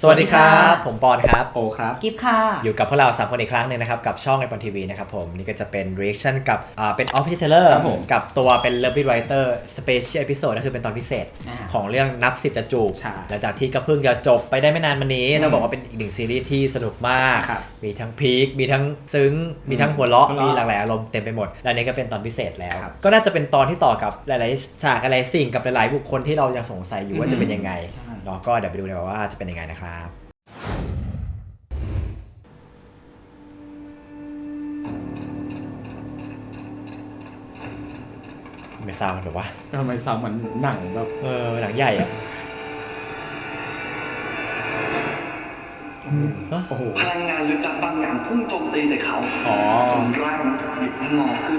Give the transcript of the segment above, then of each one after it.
สวัสดีครับผมปอนครับโอครับกิฟค่ะอยู่กับพวกเรา3คนอีกครั้งนึงนะครับกับช่องไอปอนทีวีนะครับผมนี่ก็จะเป็น reaction กับเป็น Official Trailer กับตัวเป็น Love Writer Special Episode ก็คือเป็นตอนพิเศษของเรื่องนับ10จะจูบหลังจากที่ก็เพิ่งจะจบไปได้ไม่นานมานี้เราบอกว่าเป็นอีกหนึ่งซีรีส์ที่สนุกมากมีทั้งพีคมีทั้งซึ้งมีทั้งหัวเราะมีหลากหลายอารมณ์เต็มไปหมดและนี่ก็เป็นตอนพิเศษแล้วก็น่าจะเป็นตอนที่ต่อกับหลายๆฉากอะไรสิ่งกับหลายๆบุคคลที่เรายังสงสัยอยู่ว่าจะเป็นยังไงเราก็เดี๋ยวไปดูกันว่าจะเป็นยังไงนะครับไม่ซาวมันแบบว่าทำไมซาวมันหนังแบบหนังใหญ่อะโอ้โหพลังงานลึกลับบางอย่างพุ่งโจมตีใส่เขาจนร่างมันถูกบิดให้งอขึ้น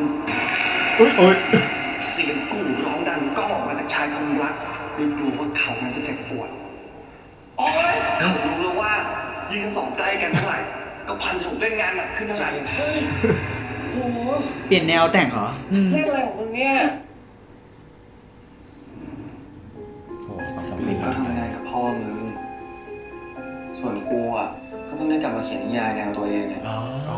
เสียงกู่ร้องดังก้องออกมาจากชายคำรักด้วยกลัวว่าเขานั้นจะเจ็บปวดโอ้ยเขารู้แล้วว่ายิงทั้งสองใกล้กันเท่าไหร่ก็พันถูกเล่นงานหนักขึ้นเท่าไหร่โอ้โหเปลี่ยนแนวแต่งเหรอเล่นอะไรของมึงเนี่ยโอ้2 ปีก็ทำงานกับพ่อมึงส่วนกูอ่ะก็เพิ่งได้กลับมาเขียนนิยายแนวตัวเองเนี่ย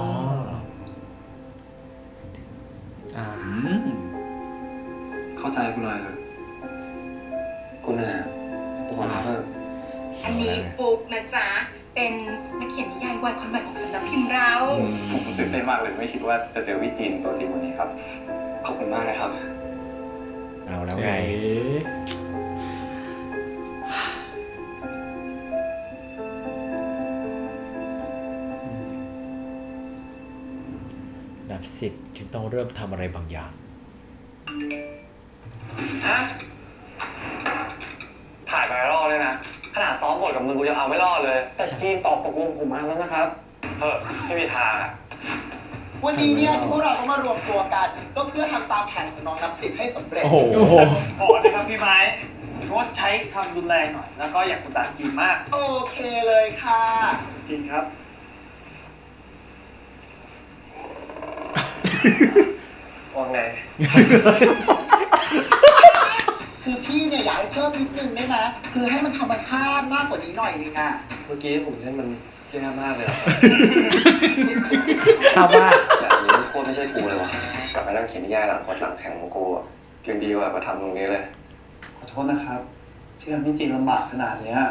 เข้าใจกูหน่อยครับกูเหนื่อยกูขอพักเถอะอันนี้ปุ๊กนะจ๊ะเป็นนักเขียนนิยายวายความหมายของสำนักพิมพ์เราผมตื่นเต้นมากเลยไม่คิดว่าจะเจอวิจินตัวจริงวันนี้ครับขอบคุณมากนะครับเอาแล้วไงนับ10จึงต้องเริ่มทำอะไรบางอย่างถ่ายไวรัลเลยนะขนาดซ้อมบทกับมึงกูจะเอาไม่รอดเลยแต่จีนตอบตกลงผมมาแล้วนะครับไม่มีทางอ่ะวันนี้เนี่ยพวกเราต้องมารวมตัวกันก็เพื่อทำตามแผนของน้องนับ10ให้สำเร็จโอ้โหขอเลยครับพี่ไม้งดใช้คำรุนแรงหน่อยแล้วก็อย่ากดดันจีนมากโอเคเลยค่ะจริงครับว่าไงคือพี่เนี่ยอยากให้เพิ่มนิดนึงได้ไหมคือให้มันธรรมชาติมากกว่านี้หน่อยนึงอ่ะเมื่อกี้ผมเล่นมันแย่มากเลยทำว่าแต่อันนี้โคตรไม่ใช่กูเลยวะกลับไปนั่งเขียนนิยายหลังกดหลังแข่งของกูยังดีกว่ามาทำตรงนี้เลยขอโทษนะครับที่ทำให้จีนลำบากขนาดนี้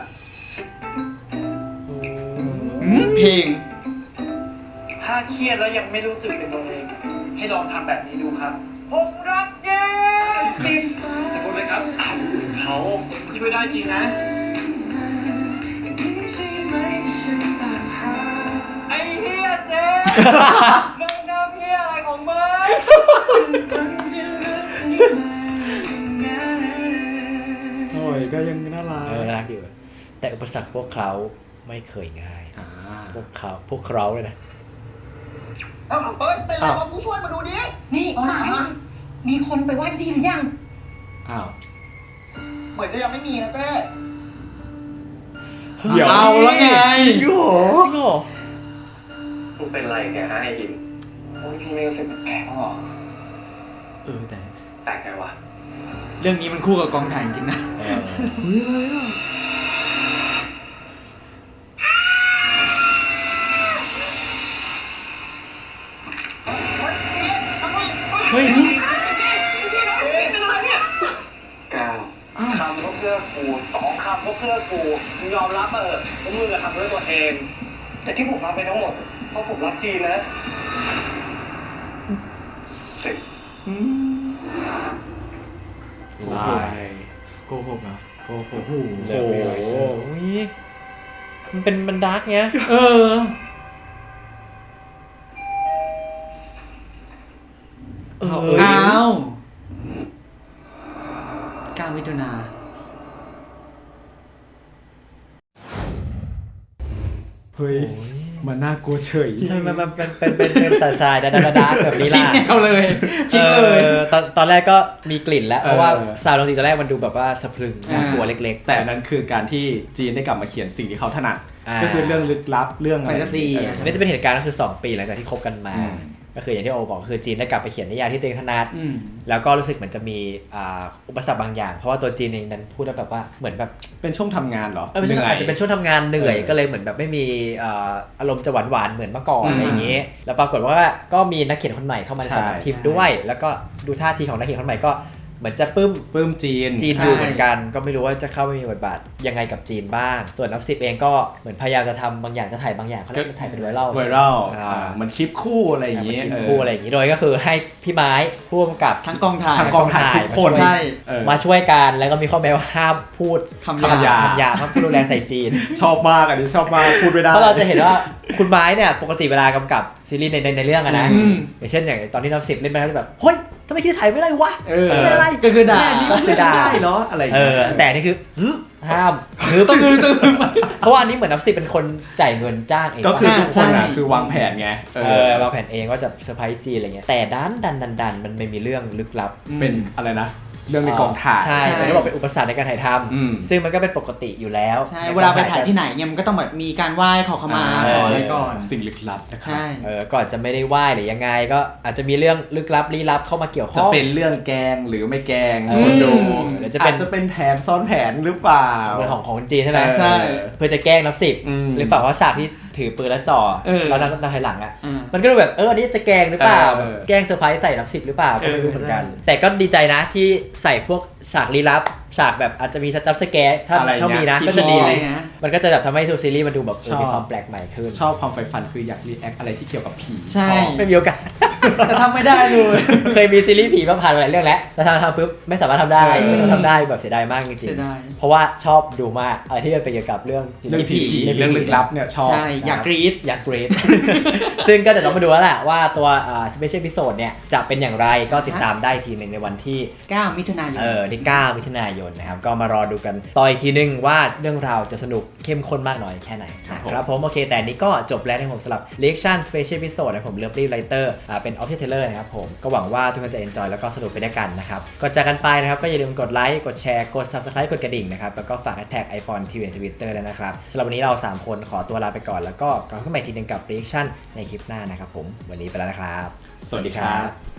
เพลงถ้าเครียดแล้วยังไม่รู้สึกเป็นตัวเองให้ลองทำแบบนี้ดูครับผมรักเย้ติดแต่คนเลยครับเขาขึ้นไม่ได้จริงนะไอ้เฮียเซ่มึงทำเฮียอะไรของมึงโอ้ยก็ยังน่ารักอยู่แต่อุปสรรคพวกเขาไม่เคยง่ายพวกเขาเลยนะเป็นไรวะผู้ช่วยมาดูดินี่มีคนไปไหว้เจ้าที่หรือยังเหมือนจะยังไม่มีนะเจ๊เดี๋ยวเอาแล้วไงจริงเหรอมึงเป็นไรแกฮะไอ้หินโอ้ยพี่ไม่รู้สึกแปลกหรอแต่แปลกไงวะเรื่องนี้มันคู่กับกองถ่ายจริงๆนะเฮ้ยก้าวคำก็เพื่อกู2 คำก็เพื่อกูมึงยอมรับว่ามึงทำด้วยตัวเองแต่ที่ผมทำไปทั้งหมดเพราะผมรักจีนนะลายโกหกนะโกหกโอ้โหมันดาร์กเงี้ยอ้าว9 มิถุนาเฮ้ยมันน่ากลัวเฉยมันเป็นสายดาร์กแบบนี้ล่ะแนวเลยคิดเลยตอนแรกก็มีกลิ่นแล้วเพราะว่าซาวด์ดนตรีตอนแรกมันดูแบบว่าสะพรึงน่ากลัวเล็กๆแต่นั้นคือการที่จีนได้กลับมาเขียนสิ่งที่เขาถนัดก็คือเรื่องลึกลับเรื่องแฟนตาซีนี่จะเป็นเหตุการณ์ก็คือ2 ปีหลังจากที่คบกันมาก็คืออย่างที่โอบอกคือจีนได้กลับไปเขียนนิยายที่ตัวเองถนัดแล้วก็รู้สึกเหมือนจะมีอุปสรรคบางอย่างเพราะว่าตัวจีนเองนั้นพูดแบบว่าเหมือนแบบเป็นช่วงทำงานเหรออาจจะเป็นช่วงทำงานเหนื่อยก็เลยเหมือนแบบไม่มีอารมณ์จะหวานๆเหมือนเมื่อก่อนอะไรอย่างนี้แล้วปรากฏว่าก็มีนักเขียนคนใหม่เข้ามาในสำนักพิมพ์ด้วยแล้วก็ดูท่าทีของนักเขียนคนใหม่ก็เหมือนจะปลื้มจีนอยู่เหมือนกันก็ไม่รู้ว่าจะเข้าไปมีบทบาทยังไงกับจีนบ้างส่วนนับ10เองก็เหมือนพยายามจะทำบางอย่างจะถ่ายบางอย่างเขาเรียกจะถ่ายเป็นไวรัลมันคลิปคู่อะไรอย่างนี้โดยก็คือให้พี่ไม้ผู้กำกับทั้งกองถ่ายทุกคนมาช่วยกันแล้วก็มีข้อแม้ว่าห้ามพูดคำหยาบห้ามพูดรุนแรงใส่จีนชอบมากอันนี้ชอบมากพูดไม่ได้เพราะเราจะเห็นว่าคุณไม้เนี่ยปกติเวลากำกับซีรีส์ในเรื่องอะนะอย่างเช่นอย่างตอนที่นับ10เล่นไปแล้วแบบเฮ้ยทำไมคิดถ่ายไม่ได้วะไม่ได้ก็คือด่าได้เหรออะไรแต่นี่คือห้ามต้องเพราะว่าอันนี้เหมือนนับ10เป็นคนจ่ายเงินจ้างเองก็คือทุกคนอ่ะคือวางแผนไงวางแผนเองว่าจะเซอร์ไพรส์จีนอะไรเงี้ยแต่ดันมันไม่มีเรื่องลึกลับเป็นอะไรนะเรื่องในกองถ่ายใช่ไม่ได้บอกเป็นอุปสรรคในการถ่ายทำซึ่งมันก็เป็นปกติอยู่แล้วใช่เวลาไปถ่ายที่ไหนเนี่ยมันก็ต้องแบบมีการไหว้ขอขมาอะไรก่อนสิ่งลึกลับนะครับก่อนจะไม่ได้ไหว้หรือยังไงก็อาจจะมีเรื่องลึกลับลี้ลับเข้ามาเกี่ยวข้องจะเป็นเรื่องแกงหรือไม่แกงคนดูหรือจะเป็นแผนซ้อนแผนหรือเปล่าเรื่องของจีนใช่ไหมใช่เพื่อจะแกล้งนับ10หรือเปล่าว่าฉากที่ถือปืนแล้วจ่อแล้วนับถอยหลังอ่ะมันก็ดูแบบอันนี้จะแกล้งหรือเปล่าแกล้งเซอร์ไพรส์ใส่นับ10หรือเปล่าก็ไม่รู้เหมือนกันแต่ก็ดีใจนะที่ใส่พวกฉากลี้ลับฉากแบบอาจจะมีจัมป์สแกร์ถ้ามีนะก็จะดีเลยมันก็จะแบบทำให้ซีรีส์มันดูแบบมีความแปลกใหม่ขึ้นชอบความใฝ่ฝันคืออยากรีแอคอะไรที่เกี่ยวกับผีใช่ไม่มีโอกาสแต่ทำไม่ได้เลยเคยมีซีรีส์ผีมาผ่านหลายเรื่องแล้วแล้วทำปุ๊บไม่สามารถทำได้แบบเสียดายมากจริงๆเพราะว่าชอบดูมากอะไรที่เป็นเกี่ยวกับเรื่องผีเรื่องลึกลับเนี่ยชอบอยากกรี๊ดซึ่งก็เดี๋ยวต้องมาดูแล้วแหละว่าตัวSpecial Episode เนี่ยจะเป็นอย่างไรก็ติดตามได้ทีนึงในวันที่ 9 มิถุนายนที่9 มิถุนายนนะครับก็มารอดูกันต่ออีกทีนึงว่าเรื่องราวจะสนุกเข้มข้นมากน้อยแค่ไหนครับผมโอเคแต่นี้ก็จบแล้วในผมสำหรับ Reaction Special Episode นะผม Lovely Writer เป็น Official Trailer นะครับผมก็หวังว่าทุกคนจะ enjoy แล้วก็สนุกไปด้วยกันนะครับก่อนจากกันไปนะครับก็อย่าลืมกดไลค์กดแชร์กด Subscribe กดกระดิ่งนะครับแล้วก็ฝาก Hashtag iPhone TV ใน Twitter ด้วยนะครับสำหรับวันนี้เรา3คนขอตัวลาไปก่อนแล้วก็กลับมาใหม่ทีนึงกับ Reaction ในคลิปหน้านะครับผมวันนี้ไปแล้วนะครับสวัสดีครับ